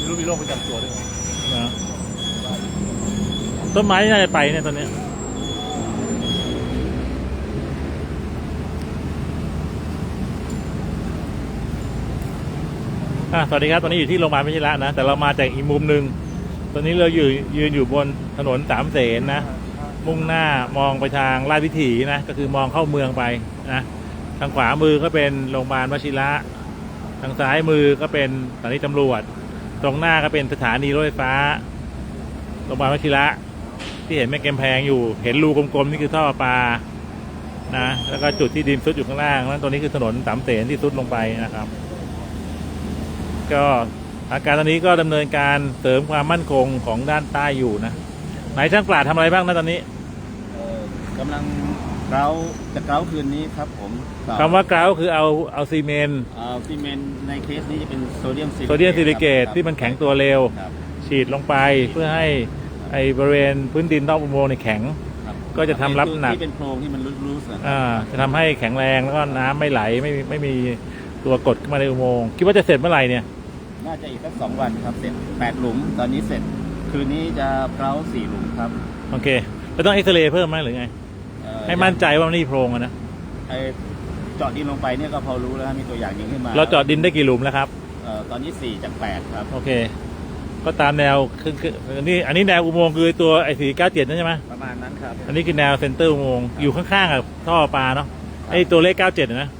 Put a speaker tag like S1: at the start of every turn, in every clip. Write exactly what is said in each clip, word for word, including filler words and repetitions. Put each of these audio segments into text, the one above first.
S1: รู้มีโรคประจำตัวด้วย
S2: นะต้นไม้น่าจะไปเนี่ยตอนนี้อ่ะสวัสดีครับตอนนี้อยู่ที่โรงพยาบาลวชิระนะแต่เรามาจากอีกมุมหนึ่งตอนนี้เราอยู่ยืนอยู่บนถนนสามเสนนะมุ่งหน้ามองไปทางราชวิถีนะก็คือมองเข้าเมืองไปนะทางขวามือก็เป็นโรงพยาบาลวชิระทางซ้ายมือก็เป็นสถานีตำรวจตรงหน้าก็เป็นสถานีรถไฟฟ้าโรงพยาบาลวชิระที่เห็นแม่กำแพงอยู่เห็นรูกลมๆนี่คือท่อปลานะแล้วก็จุดที่ดินซุดอยู่ข้างล่างนั้นตรงนี้คือถนนสามเสนที่ซุดลงไปนะครับก็อาการตอนนี้ก็ดำเนินการเสริมความมั่นคงของด้านใต้อยู่นะไหนช่างปราดทำอะไรบ้างนะตอนนี้
S1: กำลังเกลาจะเกลาคืนนี้ครับผม
S2: คำว่าเกลาคือเอาเอาซีเมนต์
S1: เอาซีเมนต์ในเคสนี้จะเป็นโซเดียม
S2: โซเดียมซิลิเกตที่มันแข็งตัวเร็วฉีดลงไปเพื่อให้ไอบริเวณพื้นดินนอกอุโมงค์ในแข็งก็จะทำรับหนัก
S1: ที่เป็นโพรงที่มันรูด
S2: ๆอ่าจะทำให้แข็งแรงแล้วก็น้ำไม่ไหลไม่ไม่มีตัวกดขึ้นมาในอุโมงค์คิดว่าจะเสร็จเมื่อไหร่เนี่ย
S1: น่าจะอีกสักสองวันครับเสร็จแปดหลุมตอนนี้เสร็จคืนนี้จะเกลาสี่หลุมครับ
S2: โอเคแล้วต้องเอ็กซเรย์เพิ่มไหมหรือไงให้มั่นใจว่ามันนี่โพรงนะ
S1: ไอเจาะดินลงไปเนี่ยก็พอรู้แล้วมีตัวอย่างยิงขึ้นมา
S2: เราเจาะดินได้กี่หลุมแล้วครับ
S1: ตอนนี้สี่จากแปดครับ
S2: โอเคก็ตามแนวคือคืออันนี้อันนี้แนวอุโมงค์คือตัวไอ้สี่เก้าเจ็ดนั่นใช่ไหม
S1: ประมาณนั้นครับ
S2: อันนี้คือแนวเซ็นเตอร์อุโมงค์อยู่ข้างๆกับท่อปลาเนาะไอ้ตัวเลขเก้าเจ็ดนะ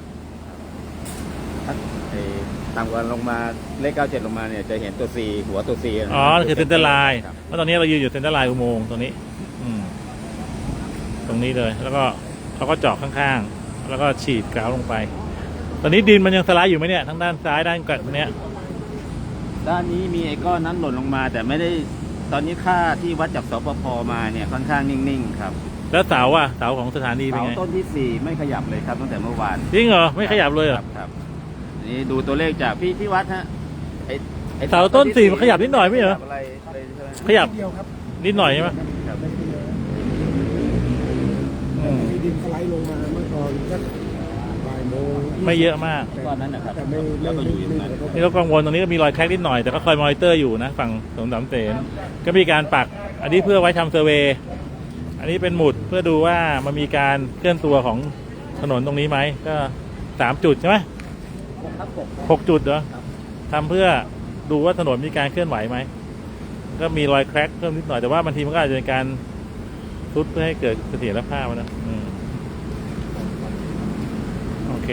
S1: ต่ำกว่าลงมาเลขเก้าเจ็ดลงมาเนี่ยจะเห็นตัว C หัวตัว C
S2: อ๋อคือเซ็นเตอร์ไลน์เพราะตอนนี้เรายืนอยู่เซ็นเตอร์ไลน์อุโมงค์ตรงนี้อืมตรงนี้เลยแล้วก็เขาก็เจาะข้างๆแล้วก็ฉีดกราวลงไปตอนนี้ดินมันยังสไลด์อยู่ไหมเนี่ยทั้งด้านซ้ายด้านกลางเนี้ย
S1: ด้านนี้มีไอ้ก้อนนั้นหล่นลงมาแต่ไม่ได้ตอนนี้ค่าที่วัดจากสปภมาเนี่ยค่อนข้างนิ่งๆครับ
S2: แล้วเสาอ่ะเสาของสถานีเป็นไง
S1: เสาต้นที่สี่ไม่ขยับเลยครับตั้งแต่เมื่อวาน
S2: จริงเหรอไม่ขยับเลยเหรอ
S1: ครับนี่ดูตัวเลขจากพี่พี่วัดฮะไ
S2: อ้เสาต้นสี่มันขยับนิดหน่อยไม่เหรอขยับนิดหน่อยใช่ไหม
S3: มีดินสไลด์ลงมาเมื่อตอนสักบ่ายโมง
S2: ไม่เยอะมาก
S1: ก้อนนั้นนะครับ
S2: แล้วก็อยู่อย่างนั้นนี่เรากังวลตรงนี้ก็มีรอยแคร็กนิดหน่อยแต่ก็คอยมอนิเตอร์อยู่นะฝั่งสงสามเสนก็มีการปักอันนี้เพื่อไว้ทำเซอร์เวย์อันนี้เป็นหมุดเพื่อดูว่ามันมีการเคลื่อนตัวของถนนตรงนี้ไหมก็สามจุดใช่ไหมหกจุดเหรอทำเพื่อดูว่าถนนมีการเคลื่อนไหวไหมก็มีรอยแคร็กเพิ่มนิดหน่อยแต่ว่าบางทีมันก็อาจจะเป็นการทุบเพื่อให้เกิดเสถียรภาพนะโอเค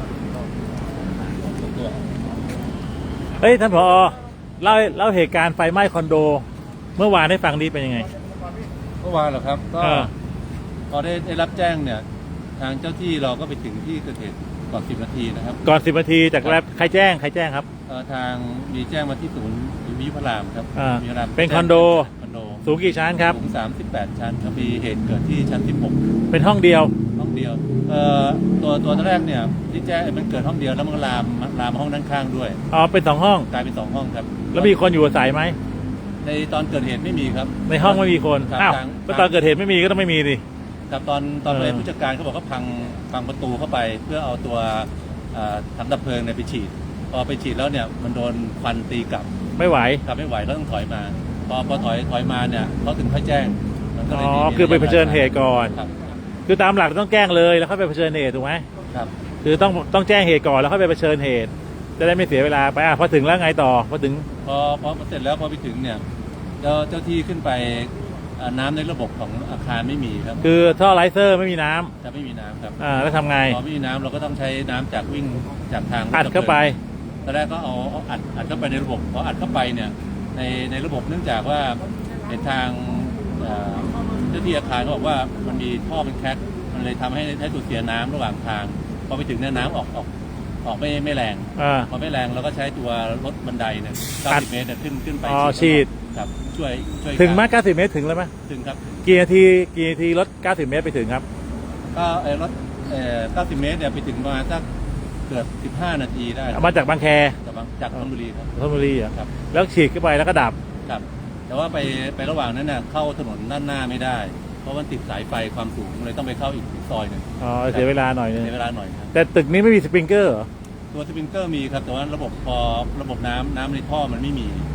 S2: เฮ้ยท่านผอเล่าเล่าเหตุการณ์ไฟไหม้คอนโดเมื่อวานให้ฟังดีเป็นยังไง
S4: เมื่อวานเหรอครับก็พอได้ได้รับแจ้งเนี่ยทางเจ้าที่เราก็ไปถึงที่เกิดเหตุก่อนสิบนาทีนะครับ
S2: ก่อนสิบนาทีจากแรกใครแจ้งใครแจ้งครับ
S4: ทางมีแจ้งมาที่ศูนย์วิทยุพระรามครับ
S2: วิทยุพระรามเป็นคอนโด
S4: คอนโด
S2: สูงกี่ชั้นครับ
S4: สูงสามสิบแปดชั้นครับมีเหตุเกิดที่ชั้นสิบหก
S2: เป็นห้องเดียว
S4: ห้องเดียวเอ่อตัวตัวแรกเนี่ยที่แจ้งมันเกิดห้องเดียวแล้วมันลามลามห้องด้านข้างด้วย
S2: อ๋อเป็นสองห้อง
S4: กลายเป็นสองห้องครับ
S2: แล้วมีคนอยู่อาศัยไหม
S4: ในตอนเกิดเหตุไม่มีครับ
S2: ในห้องไม่มีคนอ้าวก็ตอนเกิดเหตุไม่มีก็ต้องไม่มีดิ
S4: ครับตอนตอนเลยผู้จัดการเขาบอกเขาพังพังประตูเข้าไปเพื่อเอาตัวถังดับเพลิงเนี่ยไปฉีดพอไปฉีดแล้วเนี่ยมันโดนควันตีกลับ
S2: ไม่ไหว
S4: กลับไม่ไหวก็ต้องถอยมาพอพอถอยถอยมาเนี่ยเขาถึงค่อยแจ้ง
S2: อ๋อคือไปเผชิญเหตุก่อนคือตามหลักต้องแจ้งเลยแล้วค่อยไปเผชิญเหตุถูกไหม
S4: ครับ
S2: คือต้องต้องแจ้งเหตุก่อนแล้วค่อยไปเผชิญเหตุจะได้ไม่เสียเวลาไปอ่ะพอถึงแล้วไงต่อพอถึง
S4: พอพอเสร็จแล้วพอไปถึงเนี่ยเจ้าเจ้าที่ขึ้นไปน้ำในระบบของอาคารไม่มีครับ
S2: คือท่อไลเซอร์ไม่มีน้
S4: ำจะไม่มีน้ำครับ
S2: อ่าแล้วทำไง
S4: พอไม่มีน้ำเราก็ต้องใช้น้ำจากวิ่งจากทาง
S2: อัดเข้าไป
S4: ตอนแรกก็เอาอัดอัดเข้าไปในระบบพออัดเข้าไปเนี่ยในในระบบเนื่องจากว่าในทางเจ้าที่อาคารเขาบอกว่ามันมีท่อเป็นแคร็กมันเลยทำให้ใช้สูญเสียน้ำระหว่างทางพอไปถึงเนี่ยน้ำออกออกออกไม่ไม่แรงพอไม่แรงเราก็ใช้ตัวรถบันไดเนี่ยเก้าสิบเมตรเนี่ยขึ้นขึ้นไป
S2: ฉีด
S4: ครับช่วยช่วย
S2: ถึงมากเก้าสิบเมตรถึงแล้วไหม
S4: ถึงครับ
S2: กี่นาทีกี่นาทีรถเก้าสิบเมตรไปถึงครับ
S4: ก็ไอ้รถเอ่อเก้าสิบเมตรเนี่ยไปถึงประมาณสักเกือบสิบห้านาทีได้
S2: มาจากบางแค
S4: จากจากธนบุรีครับ
S2: ธนบุรีครับแล้วฉีดเข้าไปแล้วก็ดับ
S4: ครับแต่ว่าไปไประหว่างนั้นเนี่ยเข้าถนนด้านหน้าไม่ได้เพราะมันติดสายไฟความสูงเลยต้องไปเข้าอีกซอยหนึ่ง
S2: อ๋อเสียเวลาหน่อยนึง
S4: เสียเวลาหน่อยครับ
S2: แต่ตึกนี้ไม่มีสปริงเกอร์เหรอ
S4: ตัวสปริงเกอร์มีครับแต่ว่าระบบพอระบบน้ำน้ำในท่อมันไม่มี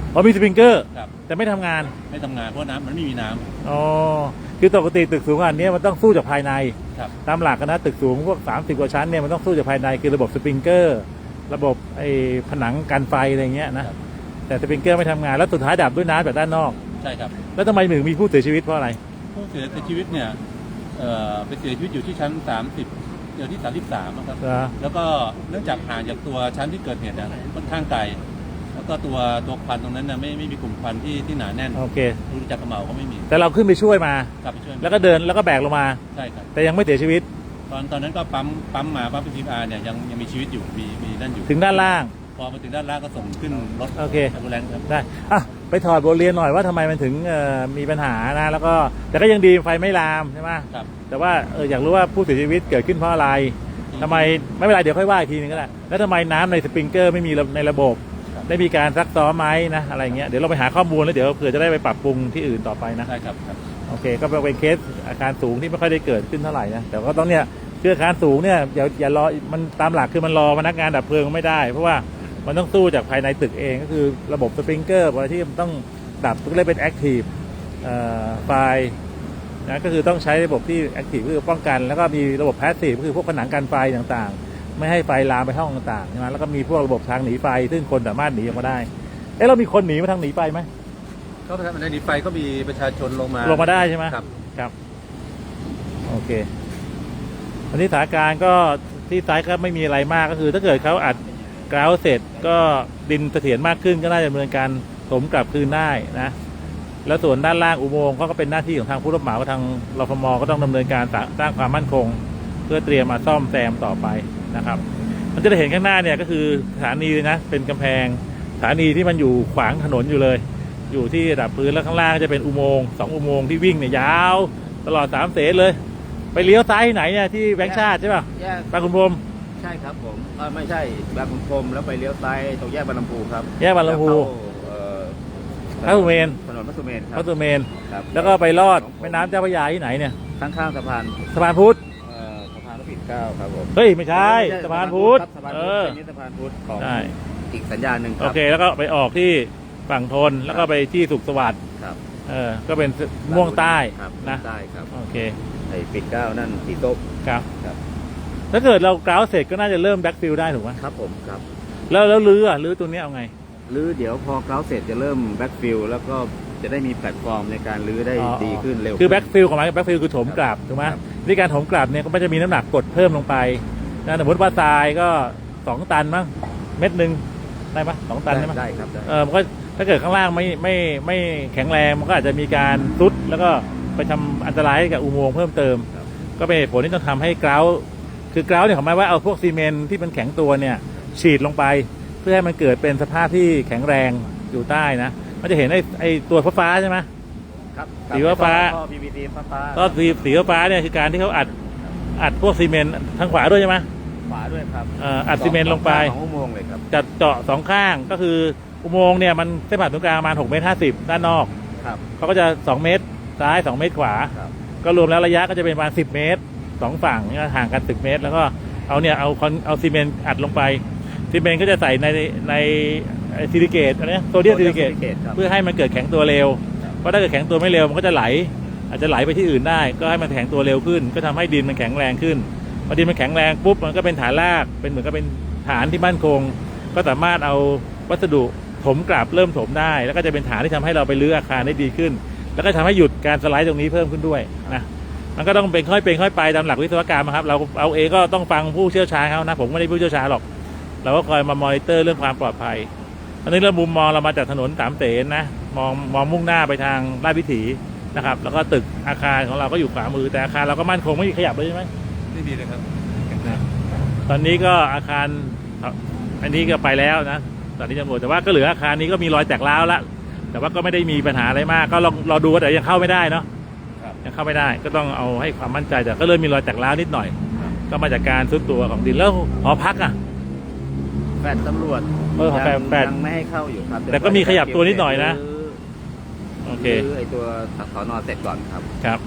S2: อ๋อมีสปริงเกอร์
S4: ครับ
S2: แต่ไม่ทำงาน
S4: ไม่ทำงานเพราะน้ำมันไม่มีน้ำ
S2: อ๋อคือปกติตึกสูงอันนี้มันต้องสู้จากภายใน
S4: ครับ
S2: ตามหลักนะตึกสูงพวกสามสิบกว่าชั้นเนี่ยมันต้องสู้จากภายในคือระบบสปริงเกอร์ระบบไอ้ผนังกันไฟอะไรเงี้ยนะครับ แต่สปริงเกอร์ไม่ทำงานแล้วสุดท้ายดับด้วยน้ำจากด้านนอก
S4: ใช่ครับ
S2: แล้วทำไมถึงมีผู้เสียชีวิตเพราะอะไร
S4: ผู้เสียชีวิตเนี่ยเอ่อไปเสียชีวิตอยู่ที่ชั้นสามสิบเดี๋ยวที่สามสิบสามครับ
S2: เหรอ
S4: แล้วก็เนื่องจากห่างจากตัวชั้นที่เกิดเหตุเนี่ยค่อนข้างไกลแล้วก็ตัวตัวควันตรงนั้นน่ะไม่ไม่มีกลุ่มควันที่ที่หนาแน่น
S2: โอเค
S4: ดูจากกระเหมาก็ไม่มี
S2: แต่เราขึ้นไปช่วยมา
S4: กลับไปช่วย
S2: แล้วก็เดินแล้วก็แบกลงมา
S4: ใช่ครับ
S2: แต่ยังไม่เสียชีวิต
S4: ตอนตอนนั้นก็ปั๊มปั๊มมาปั๊มพีอาร์เนี่ยยังยังมีชีวิตอยู่มีมีนั่นอยู่
S2: ถึงด้านล่าง
S4: พอมาถึงด้านล่างก็ส่งขึ้นรถ
S2: โอเค
S4: แอมบูเลนซ์ครับ
S2: ได้อ่ะไปถอดบทเรียนหน่อยว่าทำไมมันถึงเอ่อมีปัญหานะแล้วก็แต่ก็ยังดีไฟไม่ลามใช่ไหม
S4: ครับ
S2: แต่ว่าเอออยากรู้ว่าผู้เสียชีวิตเกิดขึ้นเพราะอะไรทำไมไม่เป็นไรเดี๋ยวค่อยว่าอีกทีนึงก็ได้แล้วทำไมน้ำในสปริงเกอร์ไม่มีในระบบ ได้มีการซักซ้อมไหมนะอะไรเงี้ยเดี๋ยวเราไปหาข้อมูลแล้วเดี๋ยวเผื่อจะได้ไปปรับปรุงที่อื่นต่อไปนะ
S4: ใช่ครับครับ
S2: โอเคก็เป็นเคสอาคารสูงที่ไม่ค่อยได้เกิดขึ้นเท่าไหร่นะแต่ก็ต้องเนี่ยคืออาคารสูงเนี่ยอย่าอย่ารอมันตามหลักคือมันรอพนักงานดับเพลิงไม่ได้ เพราะว่ามันต้องสู้จากภายในตึกเองก็คือระบบสปริงเกอร์ที่มันต้องดับก็เลยเป็นแอคทีฟไฟนะก็คือต้องใช้ระบบที่แอคทีฟคือป้องกันแล้วก็มีระบบแพสซีฟก็คือพวกผนังกันไฟต่างๆไม่ให้ไฟลามไปห้องต่างๆใช่ไหมแล้วก็มีพวกระบบทางหนีไฟซึ่งคนสามารถหนีออกมาได้เอ๊ะเรามีคนหนีมาทางหนีไฟไหม
S4: ก็ในนี้ไฟก็มีประชาชนลงมา
S2: ลงมาได้ใช่ไหม
S4: ครับ
S2: ครับโอเควันนี้สถานการณ์ก็ที่ซ้ายก็ไม่มีอะไรมากก็คือ ถ้าเกิดเขาอัดกราวเสร็จก็ดินเสถียรมากขึ้นก็น่าจะดำเนินการถมกลับคืนได้นะแล้วส่วนด้านล่างอุโมงค์ก็เป็นหน้าที่ของทางผู้รับเหมาทางรฟมก็ต้องดำเนินการสร้างความมั่นคง เพื่อเตรียมมาซ่อมแซมต่อไปนะครับมันจะได้เห็นข้างหน้าเนี่ยก็คือสถานีเลยนะเป็นกำแพงสถานีที่มันอยู่ขวางถนนอยู่เลย อยู่ที่ระดับพื้นแล้วข้างล่างก็จะเป็นอุโมงค์สองอุโมงค์ที่วิ่งเนี่ยยาวตลอดสามเสนเลย ไปเลี้ยวซ้ายที่ไหนเนี่ยที่แบงค์ชาติใช่ป่ะ
S1: แยก
S2: บางขุนพรหม
S1: ใช่ครับผมเออไม่ใช่บางขุนพรหมแล้วไปเลี้ยวซ้ายตรงแยกบางลำพูครับ
S2: แยกบางลำพู
S1: แล้วเข้าเอ่อ
S2: พระสุเมน
S1: ถนนพระสุเมนค
S2: พ
S1: รั
S2: ระสุเมน
S1: ครับ
S2: แล้วก็ไปลอดแม่น้ำเจ้าพระยาที่ไหนเนี่ย
S1: ข้างๆสะพาน
S2: สะพานพุทธ
S1: เอ่อสะพานพระปิ่นเกล้าครับผม
S2: เฮ้ยไม่ใช่สะพานพุทธ
S1: ครับสะพาน
S2: เอ
S1: พุทธ
S2: อ
S1: อันนี้สะพานพุทธของ
S2: ใช่
S1: อีกสัญญาณหนึ่งค
S2: โอ
S1: รับ
S2: เคแล้วก็ไปออกที่ฝั่งทนแล้วก็ไปที่สุขสวัสดิ์
S1: ครับ
S2: เออก็เป็นม่วงใต้
S1: ครับ
S2: นะ
S1: ใต้ครับ
S2: โอเค
S1: ไอ้ปิ่นเกล้านั่นสีส้ม
S2: ครับ
S1: ครับ
S2: ถ้าเกิดเรากราวเสร็จก็น่าจะเริ่มแบ็กฟิลได้ถูกไหม
S1: ครับผมครับ
S2: แล้วแล้วลื้ออ่ะลื้อตัวนี้เอาไง
S1: หรือเดี๋ยวพอเกล้าเสร็จจะเริ่มแบ็กฟิลแล้วก็จะได้มีแพลตฟอร์มในการลื้อได้
S2: อ๋อ
S1: ดีขึ้นเร็ว
S2: คือ
S1: ขึ้น
S2: แบ็กฟิลของมันแบ็กฟิลคือถมกลับถูกไหม
S1: ครับ
S2: ในการถมกลับเนี่ยก็ไม่จะมีน้ำหนักกดเพิ่มลงไปนะสมมติว่าทรายก็สองตันมั้งเม็ดหนึ่งได้ปะสองตันได้ไหม
S1: ได้ครับได้
S2: เออมันก็ถ้าเกิดข้างล่างไม่ไม่ไม่แข็งแรงมันก็อาจจะมีการซุดแล้วก็ไปทำอันตรายให้กับอุโมงค์เพิ่มเติม
S1: ครับ
S2: ก็เป็นเหตุผลที่ต้องทำให้กราวคือกราวเนี่ยของหมายว่าเอาพวกซีเมนต์ที่มันแข็งตัวเนี่ยฉีดลงไป เพื่อให้มันเกิดเป็นสภาพที่แข็งแรงอยู่ใต้นะมันจะเห็นไอ้ไอ้ตัวฟ้าๆใช่ไหม
S1: ครับ
S2: สีฟ้า
S1: ท่อ พี วี ซี ฟ้าฟ้า
S2: ก็สีสีฟ้าเนี่ยคือการที่เขาอัดอัดพวกซีเมนต์ทางขวาด้วยใช่ไหม
S1: ขวาด้วยครับ
S2: เอ่ออัดซีเมนต์ลงไป
S1: สองอุโมงค์เลยครับ
S2: จัดเจาะสองข้างก็คืออุโมงค์เนี่ยมันเส้นผ่านศูนย์กลางประมาณหกเมตรห้าสิบด้านนอก
S1: ครับ
S2: เขาก็จะสองเมตรซ้ายสองเมตรขวา
S1: ครับ
S2: ก็รวมแล้วระยะก็จะเป็นประมาณสิบเมตรสองฝั่งเนี่ยห่างกันสิบเมตร แล้วก็เอาเนี่ยเอาคอนเอาซีเมนต์อัดลงไปซีเมนต์ก็จะใส่ในในซิลิเกตอะไรโซเดียมซิลิเกต
S1: ครับ
S2: เพื่อให้มันเกิดแข็งตัวเร็วเพราะถ้าเกิดแข็งตัวไม่เร็วมันก็จะไหล อาจจะไหลไปที่อื่นได้ ก็ให้มันแข็งตัวเร็วขึ้น ก็ทำให้ดินมันแข็งแรงขึ้นพอดินมันแข็งแรงปุ๊บมันก็เป็นฐานรากเป็นเหมือนกับเป็นฐานที่มั่นคง ก็สามารถเอาวัสดุถมกลับเริ่มถมได้ แล้วก็จะเป็นฐานที่ทำให้เราไปรื้ออาคารได้ดีขึ้น แล้วก็ทำให้หยุดการสไลด์ตรงนี้เพิ่มขึ้นด้วยนะมันก็ต้องเป็นค่อยเป็นค่อยไปตามหลักวิศวกรรมครับเราเอาเองก็ต้องฟังผู้เชี่ยวชาญเขานะผมไม่ได้ผู้เชี่ยวชาญหรอกเราก็คอยมามอนิเตอร์เรื่องความปลอดภัยอันนี้เรามุมมองเรามาจากถนนสามเสนนะมองมองมุ่งหน้าไปทางราชวิถีนะครับแล้วก็ตึกอาคารของเราก็อยู่ขวามือแต่อาคารเราก็มั่นคงไม่มีขยับเลยใช่ไหม
S4: ไม่มีเลยครับ
S2: ตอนนี้ก็อาคารอันนี้ก็ไปแล้วนะตอนนี้ตำรวจแต่ว่าก็เหลืออาคารนี้ก็มีรอยแตกร้าวแล้วแต่ว่าก็ไม่ได้มีปัญหาอะไรมากก็ลองรอดูแต่ยังเข้าไม่ได้เนาะ
S4: ครับ
S2: ยังเข้าไม่ได้ก็ต้องเอาให้ความมั่นใจแต่ก็เริ่มมีรอยแตกร้าวนิดหน่อย ก็มาจากการซุดตัวของดินแล้วหอพักอ่ะ
S1: แฟดตำรวจ
S2: เออแฟดแฟด
S1: ยังไม่ให้เข้าอยู่ครับ
S2: แต่ก็มีขยับตัวนิดหน่อยนะ โอเค
S1: คือไอตัวสอนอเสร็จก่อนครับ
S2: ครับ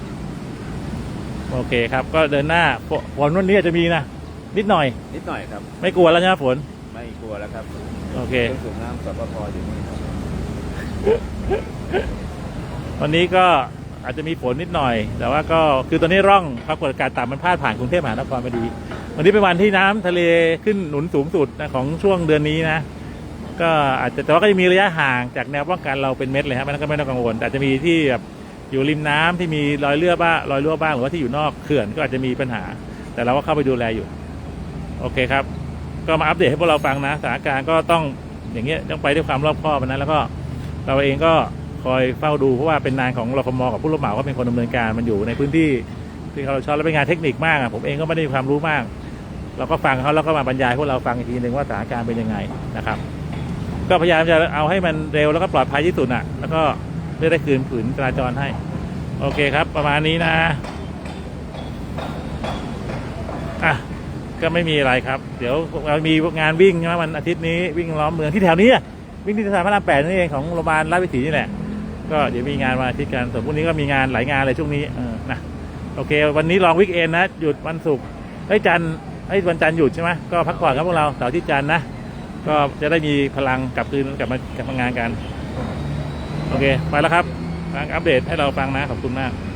S2: โอเคครับก็เดินหน้าฝฝนวันนี้อาจจะมีนะนิดหน่อย
S1: นิดหน่อยครับ
S2: ไม่กลัวแล้วใช่ไหมฝน
S1: ไม่กลัวแล้วครับ
S2: โอเค
S1: เครื่องสูบน้ำสปปอยู่นี่ครับ
S2: วันนี้ก็อาจจะมีฝนนิดหน่อย แต่ว่าก็คือตอนนี้ร่องความกดอากาศต่ำมันพาดผ่านกรุงเทพมหานครพอดีวันนี้เป็นวันที่น้ำทะเลขึ้นหนุนสูงสุดนะของช่วงเดือนนี้นะก็อาจจะแต่ว่าก็จะมีระยะห่างจากแนวป้องกันเราเป็นเม็ดเลยครับมันก็ไม่ต้องกังวลแต่อาจจะมีที่แบบอยู่ริมน้ำที่มีรอยเลือบ้างรอยรั่วบ้างหรือว่าที่อยู่นอกเขื่อนก็อาจจะมีปัญหาแต่เราก็เข้าไปดูแลอยู่โอเคครับก็มาอัปเดตให้พวกเราฟังนะสถานการณ์ก็ต้องอย่างเงี้ยต้องไปด้วยความรอบคอบนะแล้วก็เราเองก็คอยเฝ้าดูเพราะว่าเป็นงานของรฟม.กับผู้รับเหมาก็เป็นคนดำเนินการมันอยู่ในพื้นที่ที่เขาชอบและเป็นงานเทคนิคมากผมเองก็ไม่ได้มีความรู้มากเราก็ฟังเขาแล้วก็มาบรรยายพวกเราฟังอีกทีหนึ่งว่าสถานการณ์เป็นยังไงนะครับก็พยายามจะเอาให้มันเร็วแล้วก็ปลอดภัยที่สุดอ่ะแล้วก็เพื่อได้คืนผืนจราจรให้โอเคครับประมาณนี้นะอ่ะก็ไม่มีอะไรครับเดี๋ยวเรามีงานวิ่งใช่ไหมวันอาทิตย์นี้วิ่งล้อมเมืองที่แถวนี้วิ่งที่สะพานพระรามแปดนี่เองของโรงพยาบาลราชวิถีนี่แหละก็เดี๋ยวมีงานวันอาทิตย์กันส่วนพรุ่งนี้ก็มีงานหลายงานเลยช่วงนี้เออนะโอเควันนี้ลองวิกเอนนะหยุดวันศุกร์ไอ้จันทร์ไอ้วันจันทร์หยุดใช่ไหมก็พักผ่อนครับพวกเราเสาร์อาทิตย์จันทร์นะก็จะได้มีพลังกลับคืนกลับมากลับมางานกันโอเคไปแล้วครับอัปเดตให้เราฟังนะขอบคุณมาก